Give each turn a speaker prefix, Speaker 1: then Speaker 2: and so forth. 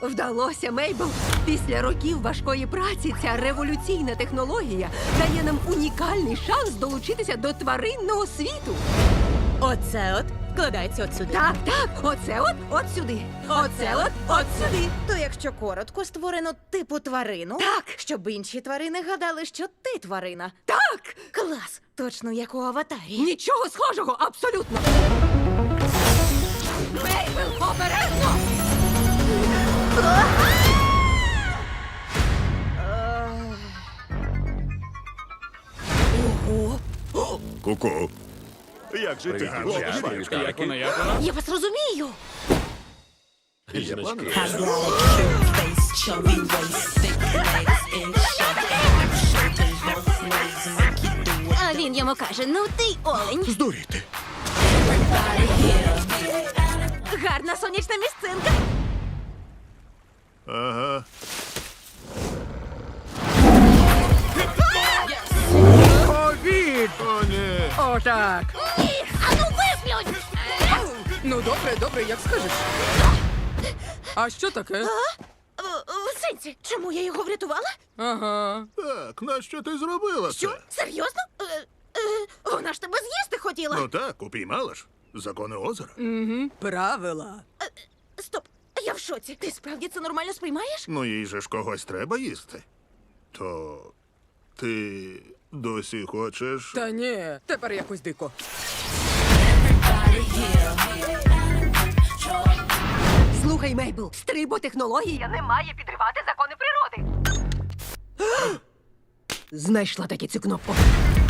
Speaker 1: Вдалося, Мейбл. Після років важкої праці ця революційна технологія дає нам унікальний шанс долучитися до тваринного світу.
Speaker 2: Оце от вкладається от сюди.
Speaker 1: Так, оце от сюди. Оце от сюди.
Speaker 2: То якщо коротко, створено типу тварину,
Speaker 1: Так.
Speaker 2: щоб інші тварини гадали, що ти тварина.
Speaker 1: Так!
Speaker 2: Клас! Точно як у аватарі.
Speaker 1: Нічого схожого, абсолютно. Мейбл, обережно!
Speaker 3: Ку-ку. Як же ти?
Speaker 4: Як вона?
Speaker 2: Я вас розумію.
Speaker 3: Є плани?
Speaker 2: А він йому каже: ну ти олень.
Speaker 3: Здуріти.
Speaker 2: Гарна сонячна місцинка.
Speaker 3: Ага.
Speaker 4: Ковід!
Speaker 3: О, ні.
Speaker 4: Отак.
Speaker 2: Ану виплюнь!
Speaker 4: Ну, добре, як скажеш. А що таке?
Speaker 2: В сенсі, чому я його врятувала?
Speaker 4: Ага.
Speaker 3: Так, нащо ти зробила це?
Speaker 2: Що? Серйозно? Вона ж тебе з'їсти хотіла.
Speaker 3: Ну так, упіймала ж. Закони озера.
Speaker 4: Угу. Правила.
Speaker 2: Стоп, я в шоці. Ти справді це нормально сприймаєш?
Speaker 3: Ну, їй же ж когось треба їсти. То ти досі хочеш.
Speaker 4: Та ні, тепер якось дико.
Speaker 1: Слухай, Мейбл, стриботехнологія не має підривати закони природи. Знайшла таки цю кнопку.